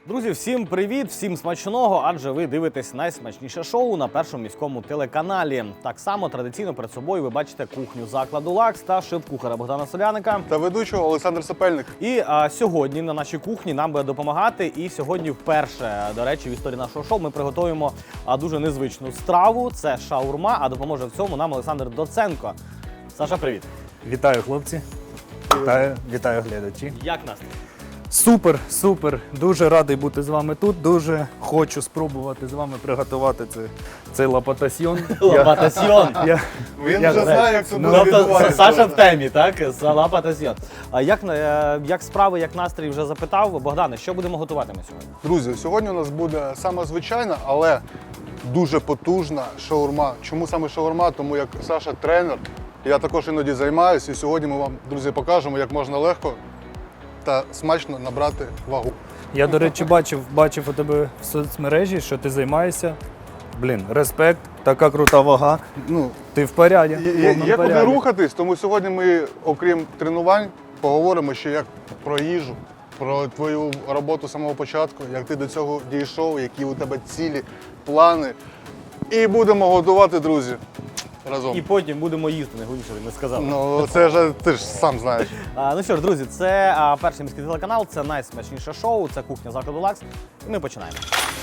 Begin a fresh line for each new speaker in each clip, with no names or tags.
Друзі, всім привіт, всім смачного, адже ви дивитесь найсмачніше шоу на першому міському телеканалі. Так само традиційно перед собою ви бачите кухню закладу «Лакс» та шеф-кухара Богдана Соляника.
Та ведучого Олександр Сапельник.
І сьогодні на нашій кухні нам буде допомагати. І сьогодні вперше, до речі, в історії нашого шоу ми приготуємо дуже незвичну страву. Це шаурма, а допоможе в цьому нам Олександр Доценко. Саша, привіт.
Вітаю, хлопці. Вітаю глядачі.
Як настрій?
Супер. Дуже радий бути з вами тут. Дуже хочу спробувати з вами приготувати цей лапатасьйон.
Лапатасьйон.
Він вже знає, як це буде
Тобто
відбуватися.
Саша в темі, так? Лапатасьйон. А як справи, як настрій вже запитав. Богдане, що будемо готувати ми сьогодні?
Друзі, сьогодні у нас буде саме звичайна, але дуже потужна шаурма. Чому саме шаурма? Тому як Саша тренер, я також іноді займаюся. І сьогодні ми вам, друзі, покажемо, як можна легко та смачно набрати вагу.
Я, до речі, бачив у тебе в соцмережі, що ти займаєшся. Респект, така крута вага.
Ну,
Ти в поряді.
Є куди рухатись, тому сьогодні ми, окрім тренувань, поговоримо ще як про їжу, про твою роботу з самого початку, як ти до цього дійшов, які у тебе цілі, плани. І будемо готувати, друзі, разом.
І потім будемо їсти, найголовніше, не сказав.
Ну, це вже ти ж сам знаєш.
Ну що ж, друзі, це перший міський телеканал, це найсмачніше шоу, це кухня закладу «Лакс». І ми починаємо.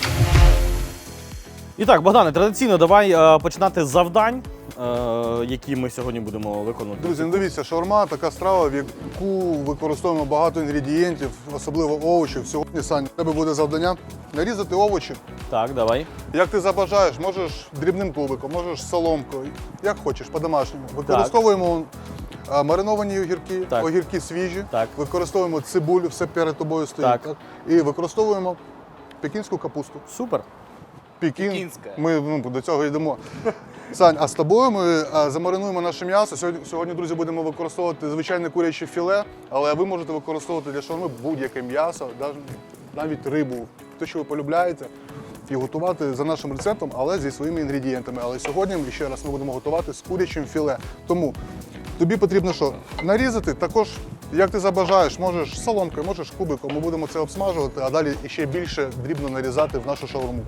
І так, Богдане, традиційно давай починати з завдань, які ми сьогодні будемо виконувати.
Друзі, ну дивіться, шаурма така страва, в яку використовуємо багато інгредієнтів, особливо овочів. Сьогодні, Саня, у тебе буде завдання нарізати овочі.
Так, давай.
Як ти забажаєш, можеш дрібним кубиком, можеш соломкою, як хочеш, по-домашньому. Використовуємо мариновані огірки,
Так.
огірки свіжі,
Так.
використовуємо цибулю, все перед тобою стоїть.
Так.
Так? І використовуємо пекінську капусту.
Супер.
Пекінська.
Ми до цього йдемо. Сань, а з тобою ми замаринуємо наше м'ясо. Сьогодні, друзі, будемо використовувати звичайне куряче філе, але ви можете використовувати для шаурми будь-яке м'ясо, навіть рибу, те, що ви полюбляєте, і готувати за нашим рецептом, але зі своїми інгредієнтами. Але сьогодні, ще раз, ми будемо готувати з курячим філе. Тому тобі потрібно що? Нарізати, також, як ти забажаєш, можеш соломкою, можеш кубиком, ми будемо це обсмажувати, а далі ще більше дрібно нарізати в нашу шаурму.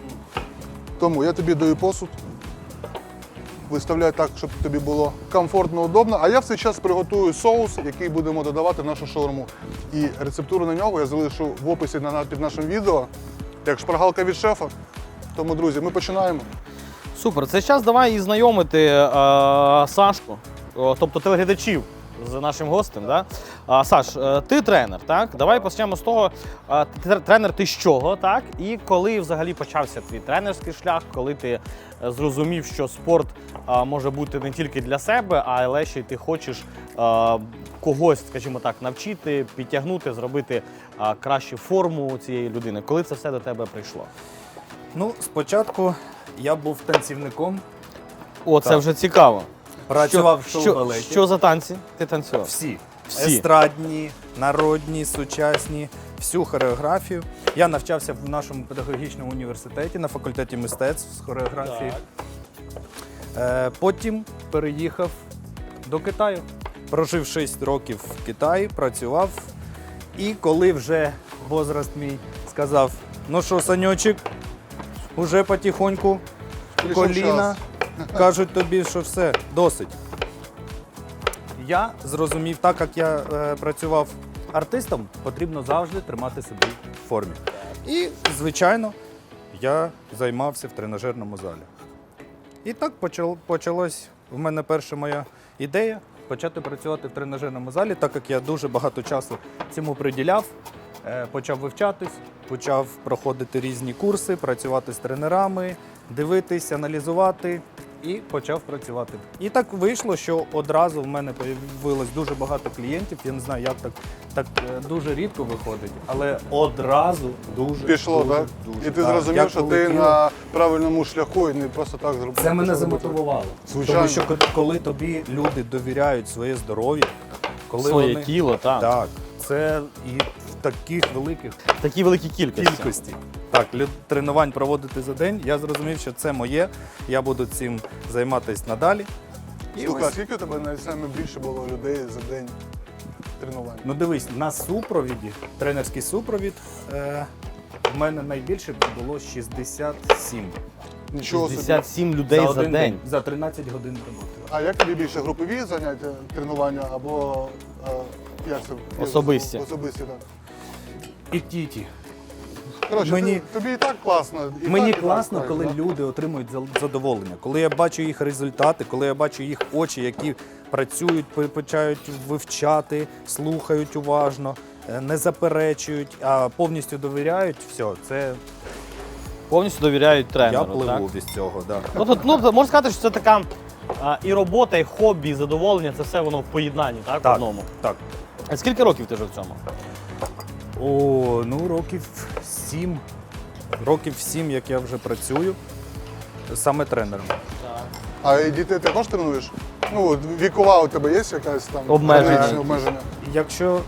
Тому я тобі даю посуд, виставляй так, щоб тобі було комфортно, удобно, а я в цей час приготую соус, який будемо додавати в нашу шаурму. І рецептуру на нього я залишу в описі під нашим відео, як шпаргалка від шефа. Тому, друзі, ми починаємо.
Супер. Це час давай і знайомити Сашку, тобто телеглядачів з нашим гостем. Да? Саш, ти тренер, так? Давай почнемо з того, тренер ти з чого, так? І коли взагалі почався твій тренерський шлях, коли ти зрозумів, що спорт може бути не тільки для себе, але ще й ти хочеш когось, скажімо так, навчити, підтягнути, зробити кращу форму цієї людини. Коли це все до тебе прийшло?
Ну, спочатку я був танцівником,
О, це
Так.
вже цікаво.
працював в шоу-балеті.
Що за танці ти танцював?
Всі.
Всі.
Естрадні, народні, сучасні, всю хореографію. Я навчався в нашому педагогічному університеті на факультеті мистецтв з хореографії. Потім переїхав до Китаю. Прожив 6 років в Китаї, працював. І коли вже возраст мій сказав, ну що, Саньочек, уже потихоньку
Прийшов
коліна,
час.
кажуть тобі, що все, досить. Я зрозумів, так як я працював артистом, потрібно завжди тримати себе в формі. І, звичайно, я займався в тренажерному залі. І так почалась в мене перша моя ідея почати працювати в тренажерному залі, так як я дуже багато часу цьому приділяв, почав вивчатись, почав проходити різні курси, працювати з тренерами, дивитись, аналізувати. І почав працювати. І так вийшло, що одразу в мене з'явилось дуже багато клієнтів. Я не знаю, як так дуже рідко виходить, але одразу дуже
Пішло,
дуже,
так?
дуже.
І ти
Так,
зрозумів,
як
що ти
полетіло.
на правильному шляху і не просто так зробив.
Це мене
Почав робити.
замотивувало.
Звичайно.
Тому що коли тобі люди довіряють своє здоров'я, коли
Своє
вони...
тіло, так.
Так, це і в таких великих
Такі великі кількості.
кількості. Так, тренувань проводити за день, я зрозумів, що це моє, я буду цим займатися надалі. І
Слухай, а
ось,
скільки у тебе найбільше було людей за день тренувань?
ну дивись, на супровіді, тренерський супровід, В мене найбільше було 67.
Нічого собі.
67 людей за
один
день.
За 13 годин роботи.
А як тобі більше групові заняття, тренування або як це?
Особисті.
Особисті, так.
І ті.
Коротше,
Мені-
тобі і так класно. І
Мені
так, і
класно,
так,
коли
так.
люди отримують задоволення, коли я бачу їх результати, коли я бачу їх очі, які працюють, почають вивчати, слухають уважно, не заперечують, а повністю довіряють. Все, це
Повністю довіряють
я
тренеру.
пливу
так?
від цього. Да.
Ну, тут, можна сказати, що це така і робота, і хобі, і задоволення, це все воно в поєднанні, так? В
Так,
одному.
так.
А скільки років ти вже в цьому?
О, ну років 7. Років 7, як я вже працюю, саме тренером.
А і дітей ти також тренуєш? Ну, от вікова у тебе є якась там
Обмеження.
обмеження?
Якщо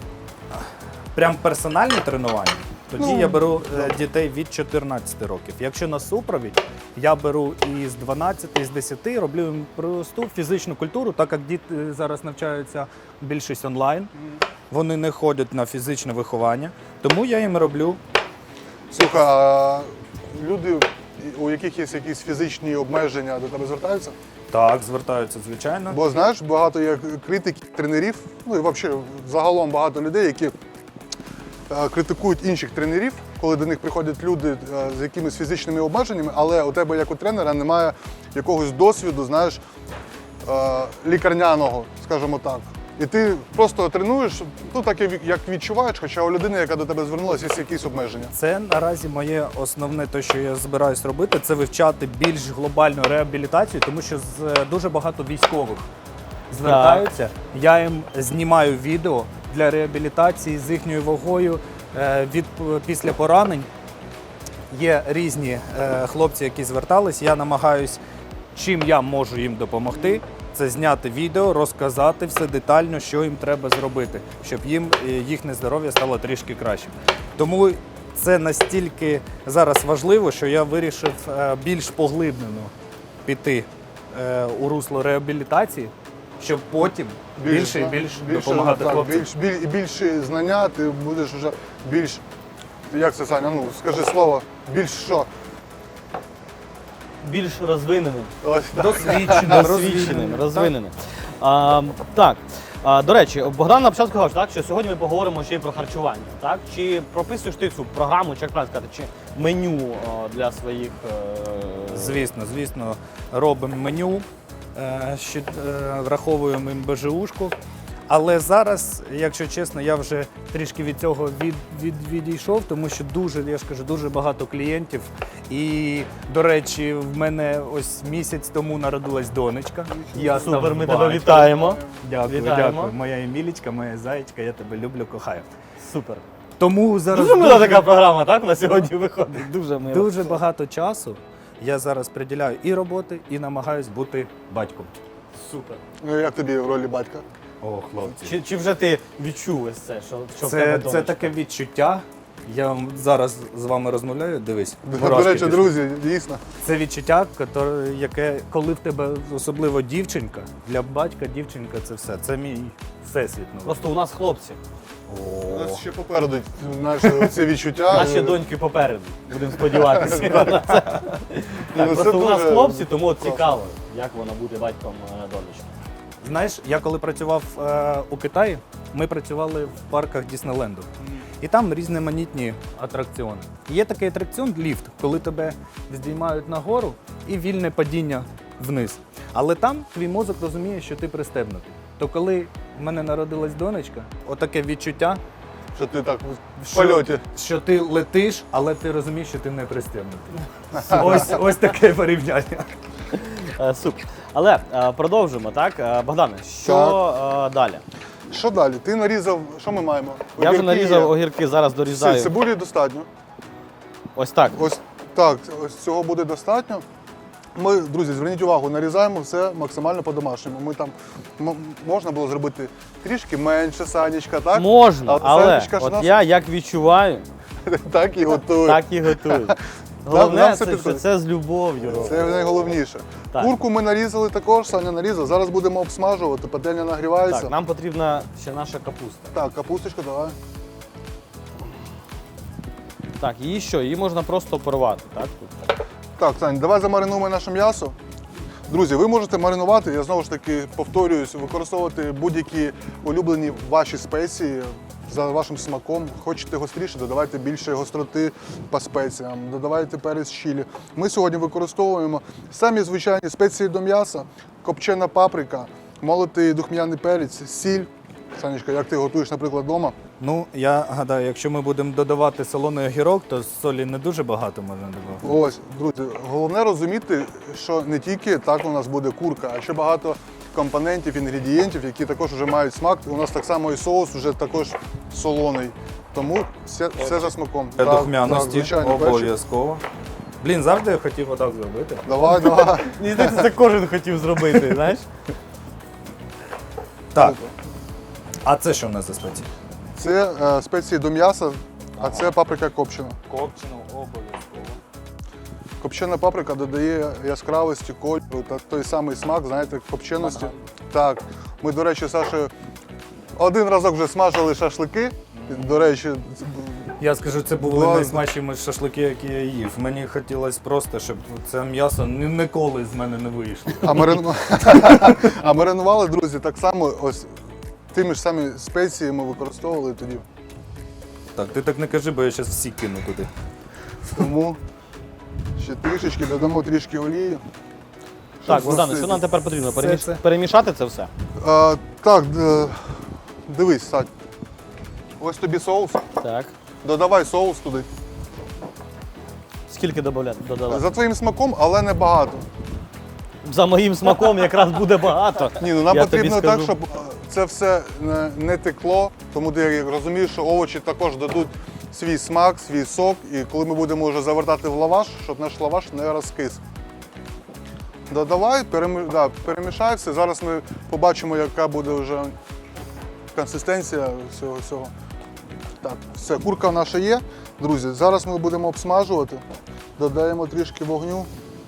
прям персональні тренування, тоді
Ну,
я беру дітей від 14 років. Якщо на супровід, я беру із 12, із 10, роблю їм просту фізичну культуру, так як діти зараз навчаються більшість онлайн, вони не ходять на фізичне виховання, тому я їм роблю.
Слухай, а люди, у яких є якісь фізичні обмеження, до тебе звертаються?
Так, звертаються, звичайно.
Бо знаєш, багато є критиків, тренерів, ну і взагалі загалом багато людей, які критикують інших тренерів, коли до них приходять люди з якимись фізичними обмеженнями, але у тебе як у тренера немає якогось досвіду, знаєш, лікарняного, скажімо так. І ти просто тренуєш, ну так як відчуваєш, хоча у людини, яка до тебе звернулася, є якісь обмеження.
Це наразі моє основне, те, що я збираюсь робити, це вивчати більш глобальну реабілітацію, тому що дуже багато військових звертаються. Я їм знімаю відео для реабілітації з їхньою вагою після поранень. Є різні хлопці, які звертались. Я намагаюсь, чим я можу їм допомогти. Це зняти відео, розказати все детально, що їм треба зробити, щоб їхнє здоров'я стало трішки кращим. Тому це настільки зараз важливо, що я вирішив більш поглиблено піти у русло реабілітації, щоб потім більше і більше допомагати
так,
хлопцям.
більше знання, ти будеш вже більш, як це, Саня, ну скажи слово, більш що?
Більш розвиненим.
Ось так.
Досвідченим,
розвиненим. Так. До речі, Богдан на початку сказав, так, що сьогодні ми поговоримо ще й про харчування. Так? Чи прописуєш ти цю програму, чи як правильно сказати, чи меню для своїх.
Звісно, робимо меню, враховуємо БЖУшку. Але зараз, якщо чесно, я вже трішки від цього відійшов, тому що я ж кажу, дуже багато клієнтів. І, до речі, в мене ось місяць тому народилась донечка. Я
Супер,
став
ми тебе
батьком.
вітаємо.
Дякую,
Вітаємо.
дякую. Моя Емілічка, моя зайчка, я тебе люблю, кохаю.
Супер.
Тому зараз
Дуже мила така програма, так? На сьогодні виходить. Дуже мила.
дуже багато часу я зараз приділяю і роботи, і намагаюсь бути батьком.
Супер.
Ну як тобі в ролі батька?
О, хлопці.
Чи вже ти відчув ось це, що в тебе
Це
донечка?
таке відчуття. Я вам зараз з вами розмовляю, дивись.
До
мурашки
речі,
пішли.
друзі, дійсно.
Це відчуття, яке, коли в тебе особливо дівчинка, для батька дівчинка це все. Це мій всесвіт. Ну.
Просто у нас хлопці.
У нас ще попереду, знаєш, ці відчуття.
Наші доньки попереду. Будемо сподіватися.
Ну, це
Просто у нас
дуже
хлопці, тому от
класно.
цікаво, як вона буде батьком донечки.
Знаєш, я коли працював у Китаї, ми працювали в парках Діснейленду. І там різноманітні атракціони. Є такий атракціон ліфт, коли тебе здіймають нагору і вільне падіння вниз. Але там твій мозок розуміє, що ти пристебнутий. То коли в мене народилась донечка, отаке відчуття,
Що ти так в польоті.
що ти летиш, але ти розумієш, що ти не пристебнутий. Ось таке порівняння.
Супер. Але продовжимо, так? Богдане, що далі?
Що далі? Ти нарізав, що ми маємо?
Я вже
Огірки
нарізав
є.
огірки, зараз дорізаю.
Цибулі достатньо.
Ось так.
Ось так, ось цього буде достатньо. Ми, друзі, зверніть увагу, нарізаємо все максимально по-домашньому. Ми там можна було зробити трішки менше, Санечка, так?
Можна, але
Санечка ж
от
нас
я як відчуваю,
так і готує.
так і готую.
нам
Головне,
все
це, що
підходить.
це з любов'ю. робимо.
Це найголовніше.
Так.
Курку ми нарізали також, Саня нарізав. Зараз будемо обсмажувати, пательня нагрівається.
Так, нам потрібна ще наша капуста.
Так, капусточка, давай.
Так, її що? Її можна просто порвати, так? Тут.
Так, Сань, давай замаринуємо наше м'ясо. Друзі, ви можете маринувати, я знову ж таки повторююсь, використовувати будь-які улюблені ваші спеції за вашим смаком. Хочете гостріше, додавайте більше гостроти по спеціям, додавайте перець чилі. Ми сьогодні використовуємо самі звичайні спеції до м'яса, копчена паприка, молотий духмяний перець, сіль. Санечка, як ти готуєш, наприклад, вдома?
Ну, я гадаю, якщо ми будемо додавати солоний огірок, то солі не дуже багато можна додавати.
Ось, друзі, головне розуміти, що не тільки так у нас буде курка, а ще багато компонентів, інгредієнтів, які також вже мають смак. У нас так само і соус вже також солоний. Тому все за смаком.
Для
Так,
духмяності
звичайно, перчик.
обов'язково. Блін, завжди я хотів отак зробити.
Давай, давай.
Мені здається, це кожен хотів зробити, знаєш?
Так. А це що в нас за спеції?
Це спеції до м'яса, а це паприка копчена.
Копчену обов'язково.
Копчена паприка додає яскравості, кольору та той самий смак, знаєте, копченості. Так. Ми, до речі, з Сашею один разок вже смажили шашлики. До речі,
Я скажу, це були
Ладно.
найсмачніші шашлики, які я їв. Мені хотілося просто, щоб це м'ясо ніколи з мене не вийшло.
а маринували, друзі, так само ось тими ж самі спеції ми використовували тоді.
Так, ти так не кажи, бо я зараз всі кину туди.
Тому ще трішечки додамо трішки олії.
Так,
щоб
Богдане,
згустити.
що нам тепер потрібно?
Все це.
Перемішати це все?
Так, дивись, Сань. Ось тобі соус.
Так.
Додавай соус туди.
Скільки додавати?
За твоїм смаком, але не багато.
За моїм смаком якраз буде багато.
Ні, ну нам
Я тобі
потрібно
скажу.
так, щоб це все не текло, тому ти розумієш, що овочі також дадуть свій смак, свій сок, і коли ми будемо вже завертати в лаваш, щоб наш лаваш не розкис. Додавай, перемішай все. Зараз ми побачимо, яка буде вже консистенція всього. Так, все, курка наша є. Друзі, зараз ми будемо обсмажувати, додаємо трішки вогню.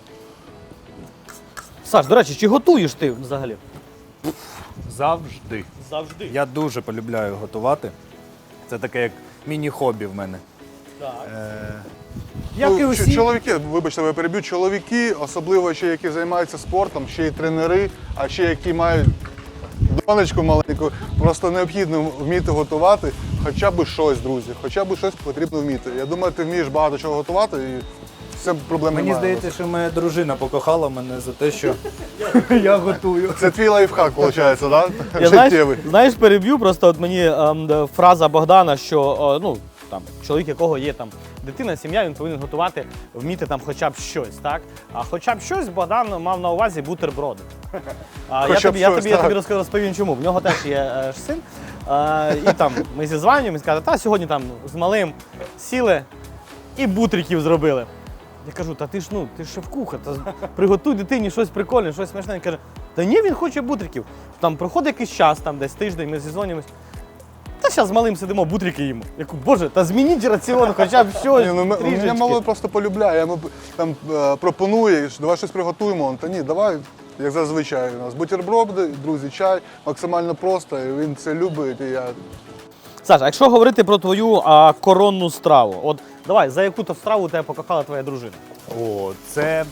Саш, до речі, чи готуєш ти взагалі?
Завжди.
Завжди.
Я дуже полюбляю готувати. Це таке як міні-хобі в мене.
Так.
Як і усі.
Чоловіки, вибачте, я переб'ю, чоловіки, особливо ще які займаються спортом, ще й тренери, а ще які мають донечку маленьку, просто необхідно вміти готувати хоча б щось, друзі, хоча б щось потрібно вміти. Я думаю, ти вмієш багато чого готувати і це проблем
Мені
немає.
здається, що моя дружина покохала мене за те, що я готую.
Це твій лайфхак, виходить, так?
Я
Життєвий.
знаєш, переб'ю, просто от мені фраза Богдана, що ну, там, чоловік, якого є там дитина, сім'я, він повинен готувати, вміти там хоча б щось, так? А хоча б щось Богдан мав на увазі бутерброди. Я тобі розповім чому. В нього теж є син, і там ми зізванюємо, і каже, сьогодні там з малим сіли і бутриків зробили. Я кажу, ти ж шеф-кухар, приготуй дитині щось прикольне, щось смачне. Він каже, та ні, він хоче бутриків. Там проходить якийсь час, там десь тиждень, ми зізвонюємось. Та зараз з малим сидимо, бутрики їмо. Я кажу, боже, та змініть раціон, хоча б щось.
Мене мало просто полюбляє, я йому там пропонує, давай щось приготуємо. Та ні, давай, як зазвичай у нас. Бутерброди, друзі, чай, максимально просто, і він це любить, і я...
Саша, а якщо говорити про твою коронну страву, от давай, за яку то страву тебе покохала твоя дружина?
О, це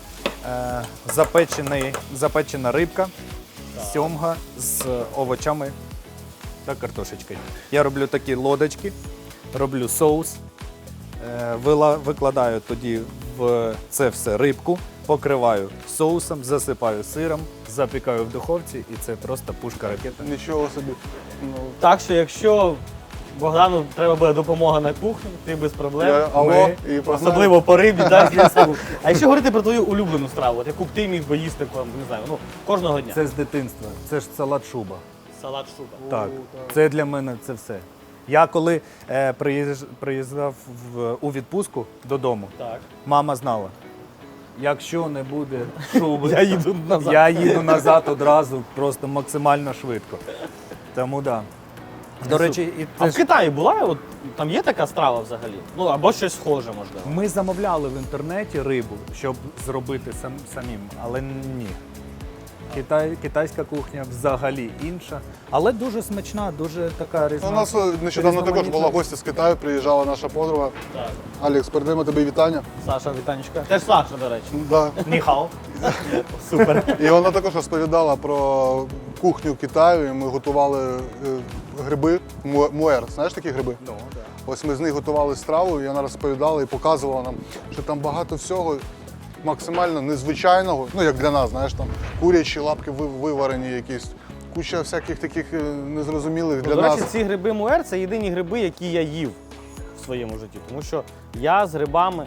запечена рибка, сьомга з овочами та картошечкою. Я роблю такі лодочки, роблю соус, викладаю тоді в це все рибку, покриваю соусом, засипаю сиром, запікаю в духовці і це просто пушка-ракета.
Нічого собі. Ну,
Так що, якщо Богдану треба буде допомога на кухні, ти без проблем.
і
Особливо по рибі, так, звісно. А якщо говорити про твою улюблену страву, от яку б ти міг би їсти не знаю, кожного дня?
Це з дитинства, це ж салат шуба.
Салат шуба.
Так, це для мене це все. Я коли приїжджав у відпустку додому,
Так.
мама знала, якщо не буде шуби,
Я їду назад.
я їду назад одразу, просто максимально швидко. Тому так. Да. До речі, і
А
це
в
ж
Китаї була? От, там є така страва взагалі? Ну, або щось схоже, можливо.
ми замовляли в інтернеті рибу, щоб зробити самим, але ні. Китайська кухня взагалі інша, але дуже смачна, дуже така
У нас нещодавно також була гостя з Китаю, приїжджала наша подруга.
Так.
Алекс, передаємо тобі вітання.
Саша, вітанечка. Теж Саша, до речі.
Да.
Ніхао. Супер.
І вона також розповідала про кухню Китаю, і ми готували гриби, муер. Знаєш такі гриби?
Ну, да.
Ось ми з них готували страву, і вона розповідала і показувала нам, що там багато всього максимально незвичайного, ну як для нас, знаєш, там курячі лапки виварені якісь, куча всяких таких незрозумілих для
До
нас.
речі, ці гриби муер – це єдині гриби, які я їв в своєму житті. Тому що я з грибами,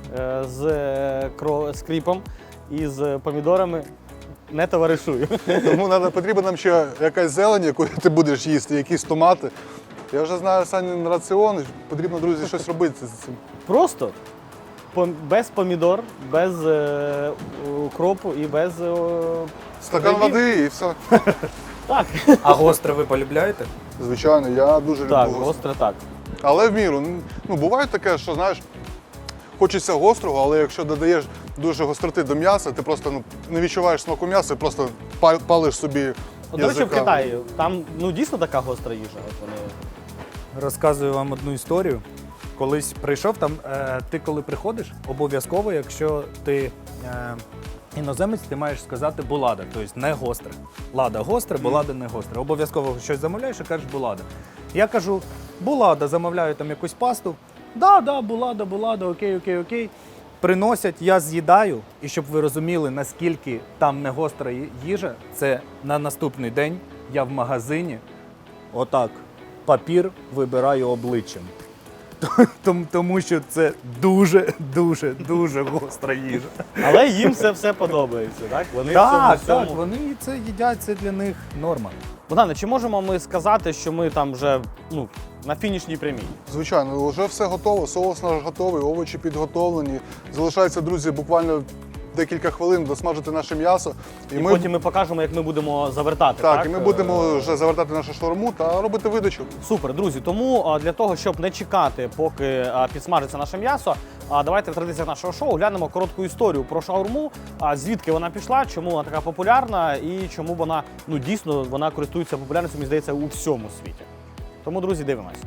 з кріпом і з помідорами не товаришую.
Тому потрібна нам ще якась зелень, яку ти будеш їсти, якісь томати. Я вже знаю Санін раціон, потрібно, друзі, щось робити з цим.
Просто без помідор, без укропу і без...
Стакан
грибів.
води і все.
Так,
А гостре ви полюбляєте?
Звичайно, я дуже люблю
так,
гостре.
гостре так.
Але в міру. Ну, буває таке, що, знаєш, хочеться гострого, але якщо додаєш дуже гостроти до м'яса, ти просто не відчуваєш смаку м'яса і просто палиш собі
От, до речі, в
язика.
Китаї там дійсно така гостра їжа. От вони...
Розказую вам одну історію. Колись прийшов там, ти коли приходиш, обов'язково, якщо ти іноземець, ти маєш сказати булада, тобто не гостре. Лада гостре, булада не гостре. Обов'язково щось замовляєш і кажеш булада. Я кажу, булада, замовляю там якусь пасту. Да, булада, окей. Приносять, я з'їдаю, і щоб ви розуміли, наскільки там не гостра їжа, це на наступний день я в магазині отак папір вибираю обличчям. Тому що це дуже гостра їжа.
Але їм це все подобається, так? Вони в цьому
Так,
всьому...
вони це їдять, це для них норма.
Богдане, чи можемо ми сказати, що ми там вже на фінішній прямій?
Звичайно, вже все готово, соус наш готовий, овочі підготовлені. Залишається, друзі, буквально декілька хвилин досмажити наше м'ясо.
І потім ми покажемо, як ми будемо завертати.
Так, і ми будемо вже завертати нашу шаурму та робити видачу.
Супер, друзі. Тому для того, щоб не чекати, поки підсмажиться наше м'ясо, давайте в традиціях нашого шоу глянемо коротку історію про шаурму, звідки вона пішла, чому вона така популярна і чому вона, дійсно, вона користується популярністю, мені здається, у всьому світі. Тому, друзі, дивимось.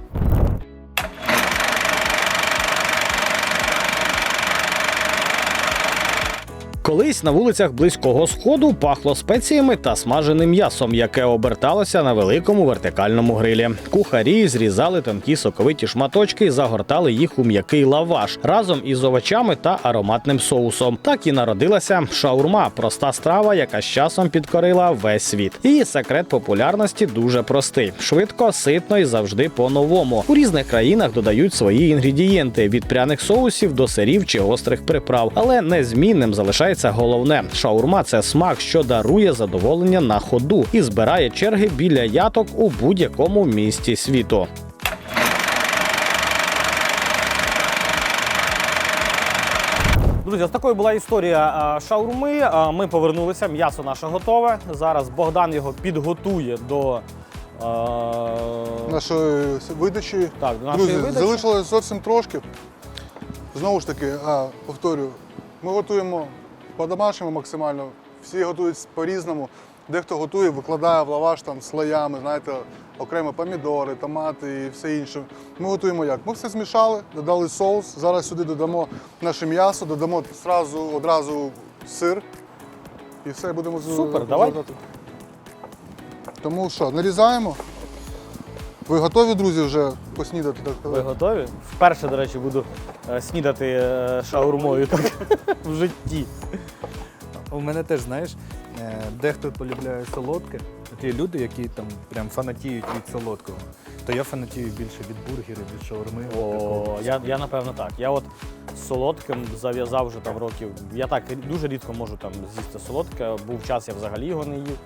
Колись на вулицях Близького Сходу пахло спеціями та смаженим м'ясом, яке оберталося на великому вертикальному грилі. Кухарі зрізали тонкі соковиті шматочки і загортали їх у м'який лаваш разом із овочами та ароматним соусом. Так і народилася шаурма – проста страва, яка з часом підкорила весь світ. Її секрет популярності дуже простий: швидко, ситно і завжди по-новому. У різних країнах додають свої інгредієнти – від пряних соусів до сирів чи гострих приправ. Але незмінним залишається головне – шаурма – це смак, що дарує задоволення на ходу і збирає черги біля яток у будь-якому місті світу. Друзі, ось такою була історія шаурми. Ми повернулися, м'ясо наше готове. Зараз Богдан його підготує до
Нашої видачі.
Так, до нашої
Друзі,
видачі.
залишилось зовсім трошки. Знову ж таки, повторюю, ми готуємо по-домашньому максимально. Всі готують по-різному. Дехто готує, викладає в лаваш там слоями, знаєте, окремо помідори, томати і все інше. Ми готуємо як? Ми все змішали, додали соус. Зараз сюди додамо наше м'ясо, додамо одразу сир. І все, будемо
Супер, давай.
Тому що, нарізаємо. Ви готові, друзі, вже поснідати? Так
Ви
сказати?
готові? Вперше, до речі, буду снідати шаурмою так в житті.
У мене теж, знаєш, дехто полюбляє солодке. Ті люди, які там прям фанатіють від солодкого, то я фанатію більше від бургерів, від шаурми.
О, я напевно так. Я от з солодким зав'язав вже там років. Я так дуже рідко можу там з'їсти солодке. Був час, я взагалі його не їв.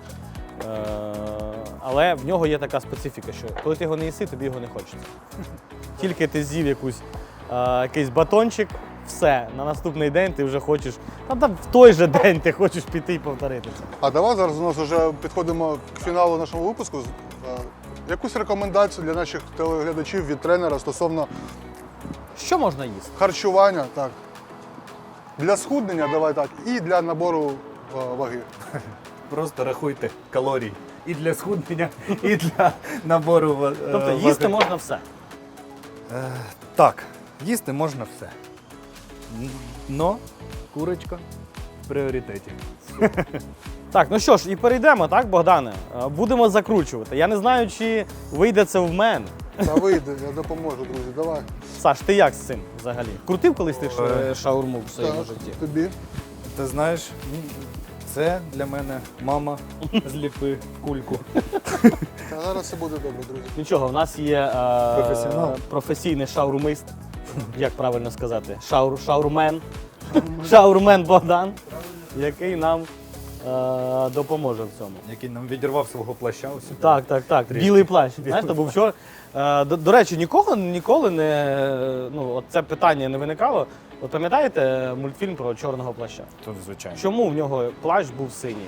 Але в нього є така специфіка, що коли ти його не їси, тобі його не хочеться. Тільки ти з'їв якийсь батончик, все, на наступний день ти вже хочеш, там в той же день ти хочеш піти і повторити це.
А давай зараз у нас вже підходимо к фіналу нашого випуску. Якусь рекомендацію для наших телеглядачів від тренера стосовно
Що можна їсти?
харчування, так. Для схуднення, давай так, і для набору ваги.
просто рахуйте калорії. І для схуднення, і для набору
Тобто їсти можна все.
Так, їсти можна все. Но курочка в пріоритеті.
Так, ну що ж, і перейдемо, так, Богдане? Будемо закручувати. Я не знаю, чи вийде це в мене.
Та вийде, я допоможу, друзі, давай.
Саш, ти як з цим взагалі? Крутив колись ти шаурму в своєму
Так,
житті?
тобі.
Ти знаєш, це для мене мама зліпи кульку.
Та зараз все буде добре, друзі.
Нічого, в нас є
Професіонал.
професійний шаурмист. Як правильно сказати? Шаурмен. Шаурмен Богдан, який нам допоможе в цьому.
Який нам відірвав свого плаща. Ось.
Так. Білий плащ. Знаєш, то був вчора. До речі, ніколи не от це питання не виникало. От пам'ятаєте мультфільм про чорного плаща?
Тут, звичайно.
Чому в нього плащ був синій?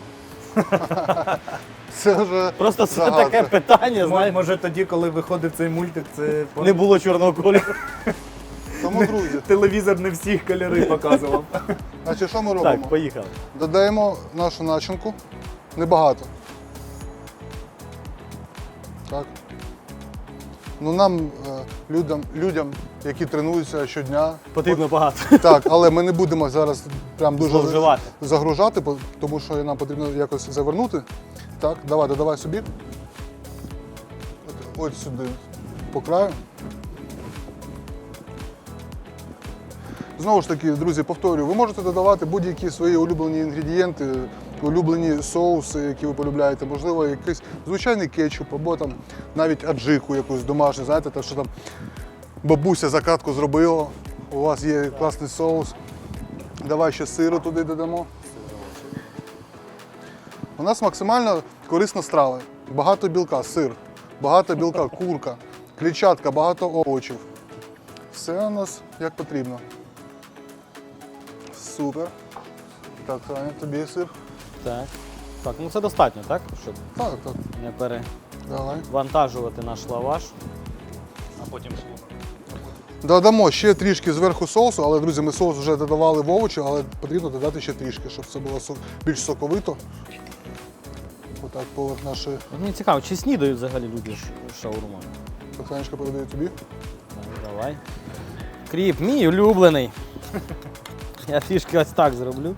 Це вже
Просто це
загадка.
таке питання, знаєш,
Може тоді, коли виходив цей мультик, це
не було чорного кольору.
Тому, друзі,
телевізор не всіх кольори показував.
значить, що ми робимо?
Так, поїхали.
Додаємо нашу начинку. Небагато. Так. Ну нам, людям, які тренуються щодня,
Потрібно багато.
так, але ми не будемо зараз прям дуже
Зловживати.
загружати, тому що нам потрібно якось завернути. Так, додавай собі. Ось сюди, по краю. Знову ж таки, друзі, повторюю, ви можете додавати будь-які свої улюблені інгредієнти, улюблені соуси, які ви полюбляєте, можливо, якийсь звичайний кетчуп, або там навіть аджику якусь домашню, знаєте, те, що там бабуся закатку зробила, у вас є класний соус. Давай ще сиру туди додамо. У нас максимально корисна страва. Багато білка, сир, багато білка, курка, клітчатка, багато овочів. Все у нас як потрібно. Супер. Так, Таня, тобі сир.
Так. Так, ну це достатньо, так? Щоб
Так, так.
не
Давай.
перевантажувати наш лаваш. А потім
Додамо ще трішки зверху соусу, але, друзі, ми соус вже додавали в овочі, але потрібно додати ще трішки, щоб це було більш соковито. Отак поверх нашої.
мені цікаво, чи снідають взагалі люди шаурмою?
Танечка передаю тобі.
Так, давай. Кріп, мій улюблений. Я трішки ось так зроблю.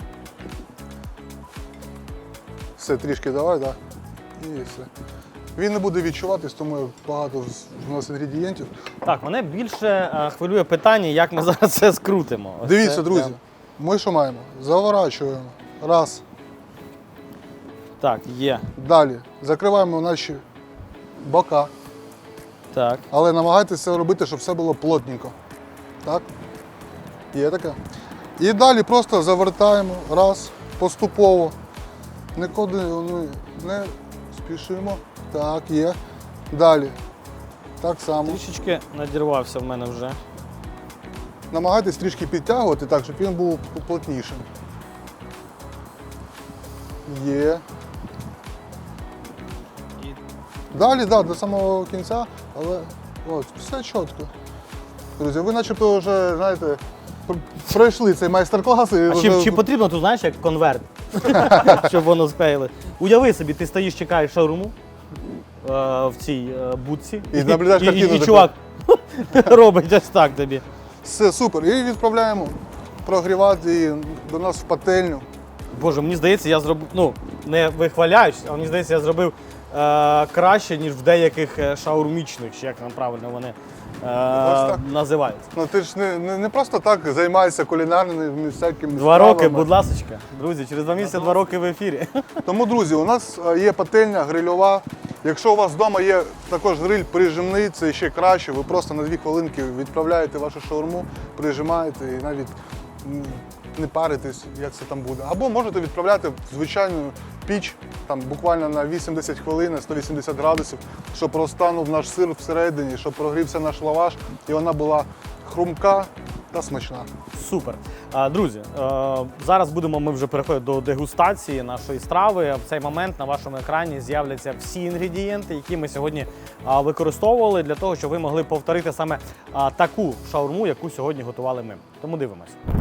Все, трішки давай, так. І все. Він не буде відчуватись, тому багато у нас інгредієнтів.
Так, мене більше хвилює питання, як ми зараз це скрутимо. Ось
Дивіться,
це
друзі,
прям-
ми що маємо? Заворачуємо. Раз.
Так, є.
Далі. Закриваємо наші бока.
Так.
Але намагайтеся це робити, щоб все було плотненько. Так? Є таке. І далі просто завертаємо раз, поступово. Нікуди не спішимо. Так, є. Далі. Так само.
Трішечки надірвався в мене вже.
Намагайтесь трішки підтягувати так, щоб він був плотнішим. Є.
І
Далі, да, до самого кінця, але от, все чітко. Друзі, ви начебто вже, знаєте, пройшли цей майстер-клас. І
А
вже...
чи потрібно тут, знаєш, як конверт, щоб воно склеїли? Уяви собі, ти стоїш, чекаєш шаурму в цій будці,
І наблюдаєш картину
і
таку.
чувак робить ось так тобі.
Все, супер. І відправляємо прогрівати її до нас в пательню.
Боже, мені здається, я зробив, ну, не вихваляюсь, а мені здається, я зробив краще, ніж в деяких шаурмічних, чи як там правильно вони
так.
називаються.
Ну ти ж не просто так займаєшся кулінарними всякими
2 роки,
стравами.
будь ласочка. Друзі, через 2 місяці 2 роки в ефірі.
Тому, друзі, у нас є пательня грильова. Якщо у вас вдома є також гриль прижимний, це ще краще. Ви просто на 2 хвилинки відправляєте вашу шаурму, прижимаєте і навіть не паритесь, як це там буде. Або можете відправляти в звичайну піч, там буквально на 80 хвилин, 180 градусів, щоб розтанув наш сир всередині, щоб прогрівся наш лаваш і вона була хрумка та смачна.
Супер. Друзі, зараз будемо ми вже переходити до дегустації нашої страви. В цей момент на вашому екрані з'являться всі інгредієнти, які ми сьогодні використовували для того, щоб ви могли повторити саме таку шаурму, яку сьогодні готували ми. Тому дивимось.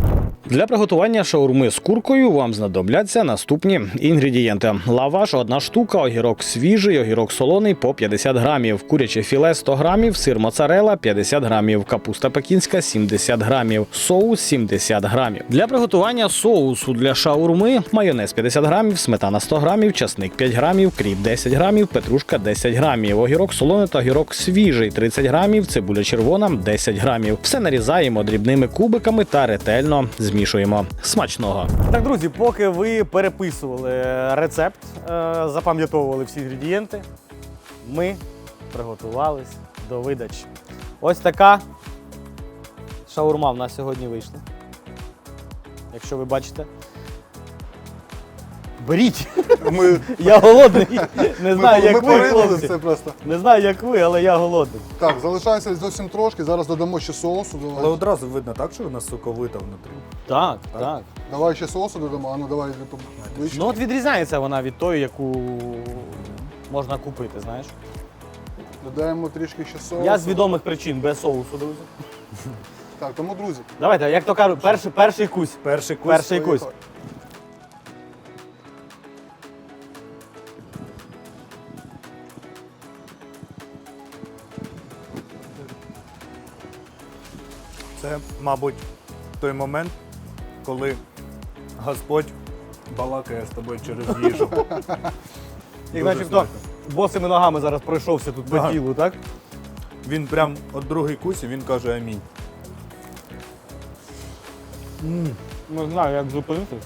Для приготування шаурми з куркою вам знадобляться наступні інгредієнти. Лаваш – 1 штука, огірок свіжий, огірок солоний по 50 грамів, куряче філе – 100 грамів, сир моцарелла – 50 грамів, капуста пекінська – 70 грамів, соус – 70 грамів. Для приготування соусу для шаурми – майонез – 50 грамів, сметана – 100 грамів, часник – 5 грамів, кріп – 10 грамів, петрушка – 10 грамів, огірок солоний та огірок свіжий – 30 грамів, цибуля червона – 10 грамів. Все нарізаємо дрібними кубиками та ретельно змішуємо. Смачного! Так, друзі, поки ви переписували рецепт, запам'ятовували всі інгредієнти, ми приготувались до видачі. Ось така шаурма в нас сьогодні вийшла. Якщо ви бачите. Беріть! Я голодний. Не знаю, як ви, хлопці.
це просто.
Не знаю, як ви, але я голодний.
Так, залишається зовсім трошки, зараз додамо ще соусу.
Але одразу видно так, що вона соковита внутрі.
Так, так.
Давай ще соусу додамо, а ну давай ближче.
Ну от відрізняється вона від тої, яку можна купити, знаєш.
Додаємо трішки ще соусу.
Я з відомих причин без соусу, друзі.
Так, тому, друзі,
Давайте, як то кажуть, перший кусь.
Перший кусь.
Перший кусь.
Це, мабуть, той момент, коли Господь балакає з тобою через їжу.
Як начебто босими ногами зараз пройшовся тут по
Ага.
тілу, так?
Він прям от другий кусь, і він каже амінь.
Не знаю, як зупинитись.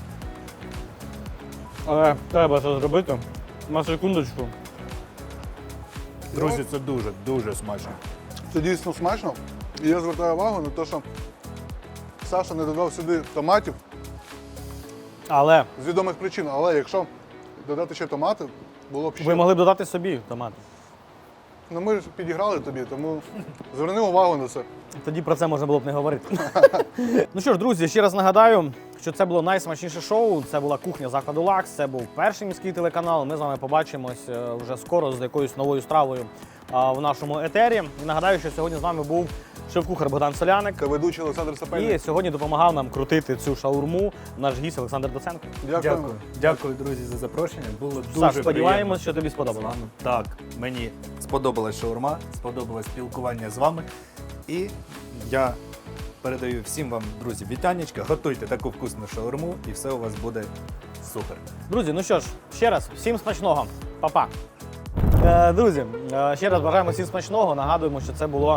Але треба це зробити. На секундочку.
Друзі, це дуже, дуже смачно.
це дійсно смачно. І я звертаю увагу на те, що Саша не додав сюди томатів
Але
з відомих причин. Але якщо додати ще томати, було б ще.
ви могли б додати собі томати.
Ну ми ж підіграли тобі, тому зверни увагу на це.
Тоді про це можна було б не говорити. Ну що ж, друзі, ще раз нагадаю, що це було найсмачніше шоу. Це була кухня закладу Лакс. Це був перший міський телеканал. Ми з вами побачимось вже скоро з якоюсь новою стравою в нашому етері. І нагадаю, що сьогодні з нами був шеф-кухар Богдан Соляник.
Та ведучий Олександр Сапельник.
І сьогодні допомагав нам крутити цю шаурму наш гість Олександр Доценко.
Дякуємо.
Дякую, друзі, за запрошення. Було дуже
Саш, сподіваємось,
приємно
що тобі
з
сподобалося.
вами. Так, мені сподобалась шаурма, сподобалось спілкування з вами. І я передаю всім вам, друзі, вітанечка. Готуйте таку вкусну шаурму і все у вас буде супер.
Друзі, ну що ж, ще раз, всім смачного. Па-па. Друзі, ще раз бажаємо всім смачного. Нагадуємо, що це було.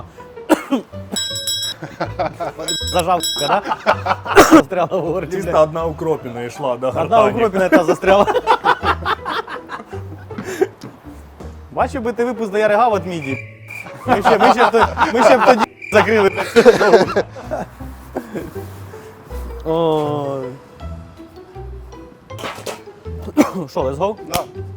Зажав, да? Застряла в горлі.
Чисто одна укропіна йшла, да,
Одна укропіна та застряла. Бачив би ти випуск, де я ригав від міді. Ми ще б тоді закрили. Ой. Що, let's go?
Да.